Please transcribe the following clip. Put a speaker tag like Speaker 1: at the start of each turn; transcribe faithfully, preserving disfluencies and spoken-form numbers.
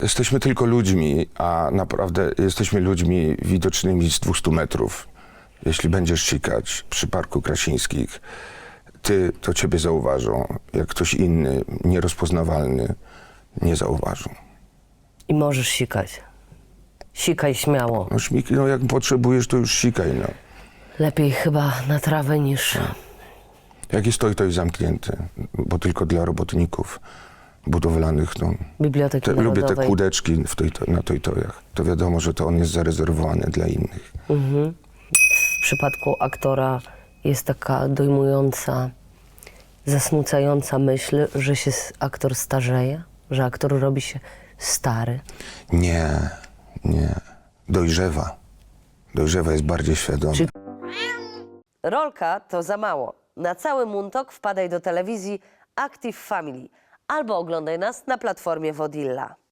Speaker 1: Jesteśmy tylko ludźmi, a naprawdę jesteśmy ludźmi widocznymi z dwustu metrów. Jeśli będziesz sikać przy Parku Krasińskich, ty, to ciebie zauważą. Jak ktoś inny, nierozpoznawalny, nie zauważą.
Speaker 2: I możesz sikać. Sikaj śmiało.
Speaker 1: No, śmiki, no jak potrzebujesz, to już sikaj, no.
Speaker 2: Lepiej chyba na trawę niż...
Speaker 1: Jak jest to i to jest zamknięte, bo tylko dla robotników budowlanych, no.
Speaker 2: Biblioteki
Speaker 1: Te, lubię te
Speaker 2: Narodowej.
Speaker 1: kłódeczki w toj, na tojtojach. To wiadomo, że to on jest zarezerwowany dla innych.
Speaker 2: W przypadku aktora jest taka dojmująca, zasmucająca myśl, że się s- aktor starzeje, że aktor robi się stary.
Speaker 1: Nie, nie. Dojrzewa. Dojrzewa jest bardziej świadoma.
Speaker 2: Czy- Rolka to za mało. Na cały Muntok wpadaj do telewizji Active Family albo oglądaj nas na platformie Wodilla.